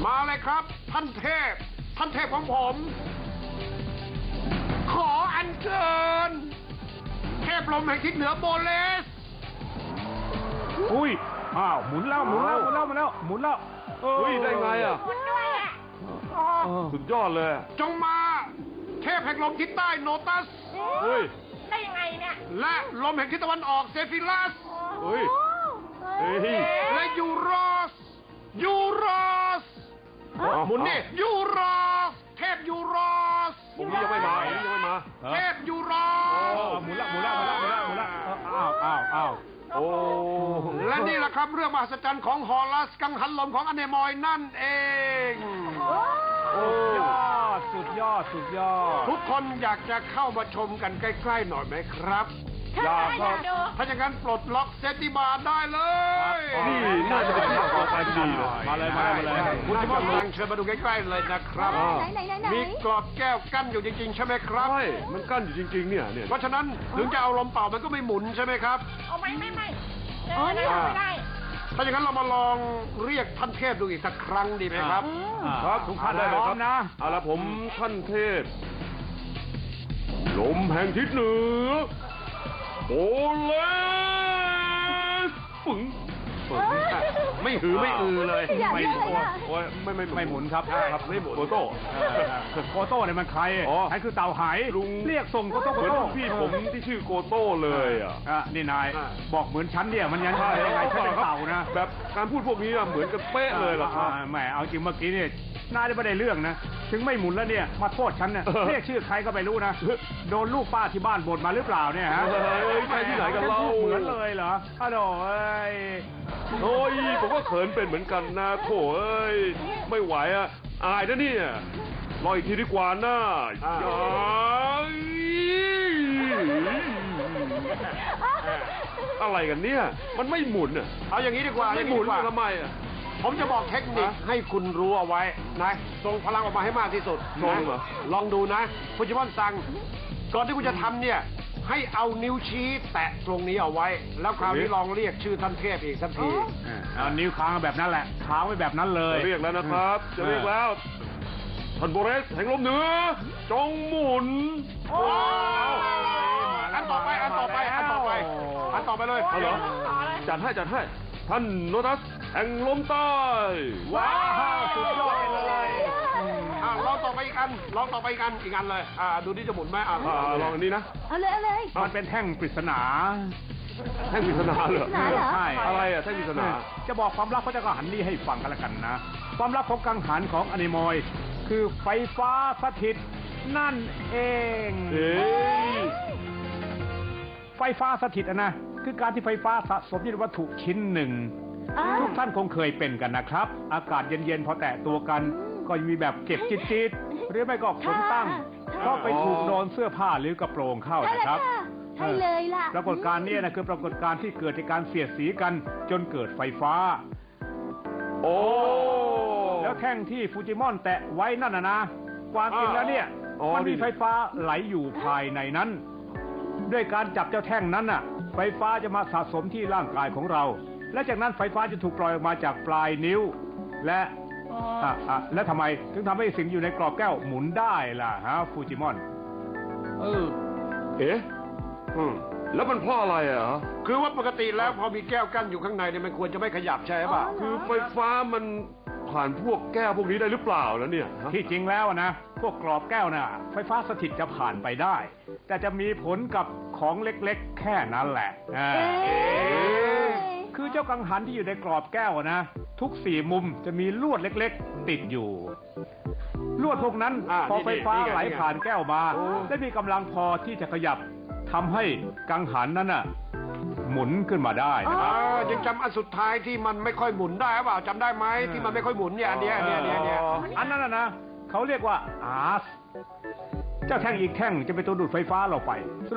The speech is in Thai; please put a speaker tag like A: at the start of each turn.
A: มาเลยครับ ท่านเทพของผม ขออัญเชิญเทพลมแห่งทิศเหนือโบเลส
B: อุ้ยอ้าวหมุนแล้วหมุนแล้ว
C: อุ้ยได้ไงอ่ะ
D: คุณด้วยอ่ะ
C: สุดยอดเลย
A: จงมา เทพแห่งลมทิศใต้โนตัส
C: เฮ้ย
D: ได้ยังไงเนี่ย
A: และลมแห่งทิศตะวันออกเซฟิลัส
C: เฮ้ย เฮ้ย
A: และยูโรสหมุนนี่ยูโรสเทพยูโรส
C: ผมนี้ยังไม่มา
A: เทพยูโรส
B: หมุนแล้วอ้าว
C: โอ้
A: และนี่แหละครับเรื่องมหัศจรรย์ของฮอลัสกังหันลมของอเนมอยนั่นเอง
B: สุดยอด
A: ทุกคนอยากจะเข้ามาชมกันใกล้ๆหน่อยไหมครับ
D: อยากดู
A: ถ้าอย่างนั้นปลดล็อกเซติบาร์ได้เลย
C: นี่น่าจะเป็นที่ต่อไปดีเลย
B: มาเลย
A: คุณที่กำลังเชิญมาดูใกล้ๆเลยนะครับ
D: ไหน
A: มีกรอบแก้วกั้นอยู่จริงๆใช่ไหมครับ
C: ใช่มันกั้นอยู่จริงๆเนี่ย
A: เพราะฉะนั้นถึงจะเอาลมเป่ามันก็ไม่หมุนใช่ไหมครับ
D: เอาไม่ไม่ได้
A: ถ้าอย่างนั้นเรามาลองเรียกท่านเทพดูอีกสักครั้งดีไหมครับ
C: ครับ
B: ทุกท่าน
C: ได้เลย
B: พร้
C: ค
B: อ
C: รับ
B: มนะ
C: เอาละผมท่านเทพ ลมแห่งทิศเหนือโอเลสปึ๋ง
A: ไม่หือไม่อือเลย
B: ไม่
C: โอ้ยไม่
B: หมุนครับ
C: ครับไม่หมุนโกโต้
B: โกโต้เนี่ยมันใคร
C: อ๋อ
B: ใครคือเต่าหาย
C: ลุง
B: เรียกส่งโกโต้
C: เหมือนรุ่นพี่ผมที่ชื่อโกโต้เลยอ่ะ
B: นี่นายบอกเหมือนฉันเนี่ยมันยังไงฉันเป็นเต่านะ
C: แบบการพูดพวกนี้อะเหมือนกันเป๊ะเลยล่ะครับ
B: แหมเอาจริงเมื่อกี้เนี่ยน่าจะไม่ได้เรื่องนะ ถึงไม่หมุนแล้วเนี่ยมาโทษฉันเนี่ยเรียกชื่อใครก็ไม่รู้นะ โดนลูกป้าที่บ้านบ่นมาหรือเปล่าเนี่ยฮะ
C: เฮ้ยใช่ที่ไหนกันเล่า
B: เหมือนเลยเหรออ้าวโถ่เอ้ย
C: โอ้ยผมก็เขินเป็นเหมือนกันนะโถเอ้ยไม่ไหวอ่ะอายนะเนี่ยรออีกทีดีกว่านะอะไรกันเนี่ยมันไม่หมุนอ่ะ
A: เอาอย่างนี้ดีกว่า
C: ไม่หมุนทำไมอ่ะ
A: ผมจะบอกเทคนิคให้คุณรู้เอาไว้นะส่งพลังออกมาให้มากที่สุด
C: ส่ง
A: นะ
C: เหรอ
A: ลองดูนะคุณจิมอนสั่งก่อนที่คุณจะทำเนี่ย ให้เอานิ้วชี้แตะตรงนี้เอาไว้ แล้วคราวนี้ลองเรียกชื่อท่านเทพอีกสักที
B: เอานิ้วค้างแบบนั้นแหละค้างไว้แบบนั้นเลย
C: จะเรียกแล้วนะครับจะเรียกแล้วท่านโบเรสแห่งลมเหนือจงหมุน
A: อันต่อไปเลย
C: เอาเหรอจัดให้ท่านโนตัสแห่งลมใต้
B: ว้าวสุดยอดไปเลย
A: ลองต่อไปอีกอันเลยดูที่จะหมุนไหม
C: ลองอันนี้นะ
D: เอาเลย
B: มันเป็นแท่งปริศนา
C: แท่งปริศนาเหรอ
D: ปริศนาเหรอ
B: ใช่
C: อะไรอ่ะแท่งปริศนา
B: จะบอกความลับพระเจ้ากังหันนี่ให้ฟังกันละกันนะ ความลับของกังหันของอนิมอย คือไฟฟ้าสถิตนั่นเอง
C: เฮ้ย
B: ไฟฟ้าสถิตนะคือการที่ไฟฟ้าสะสมอยู่ในวัตถุชิ้นหนึ่ง ทุกท่านคงเคยเป็นกันนะครับ อากาศเย็นๆพอแตะตัวกัน ก็มีแบบเก็บจิตๆหรือไม่ก็ขนตั้งก็ไปถูกโดนเสื้อผ้าหรือกระโปรงเข้านะครับ
D: ใช่เลยล่ะ
B: ปรากฏการณ์นี้นะคือปรากฏการณ์ที่เกิดจากการเสียดสีกันจนเกิดไฟฟ้า
C: โอ้
B: แล้วแท่งที่ฟูจิมอนแตะไว้นั่นนะความจริงแล้วเนี่ยมันมีไฟฟ้าไหลอยู่ภายในนั้น ด้วยการจับเจ้าแท่งนั้นน่ะ ไฟฟ้าจะมาสะสมที่ร่างกายของเรา และจากนั้นไฟฟ้าจะถูกปล่อยออกมาจากปลายนิ้ว และและทำไมถึงทำให้สิ่งอยู่ในกรอบแก้วหมุนได้ล่ะฮะฟูจิมอน
C: เอ๊ะแล้วมันเพราะอะไรอ่ะ
A: คือว่าปกติแล้วพอมีแก้วกั้นอยู่ข้างในเนี่ยมันควรจะไม่ขยับใช่ป่ะ
C: คือไฟฟ้ามันผ่านพวกแก้วพวกนี้ได้หรือเปล่าแล้วเนี่ยฮะ
B: ที่จริงแล้วนะพวกกรอบแก้วน่ะไฟฟ้าสถิตจะผ่านไปได้ แต่จะมีผลกับของเล็กๆ แค่นั้นแหละคือเจ้ากังหันที่อยู่ในกรอบแก้วนะทุก4มุมจะมีลวดเล็กๆ ติดอยู่ ลวดพวกนั้นพอไฟฟ้าไหลผ่านแก้วมาได้มีกำลังพอที่จะขยับทำให้กังหันนั้นน่ะหมุนขึ้นมาได้นะครับ
A: ยังจำอันสุดท้ายที่มันไม่ค่อยหมุนได้หรือเปล่าจำได้ไหมที่มันไม่ค่อยหมุนเนี่ยอันเนี้ย
B: อันนั้นนะเขาเรียกว่าอาร์สเจ้าแท่งอีกแท่งจะเป็นตัวดูดไฟฟ้าเราไป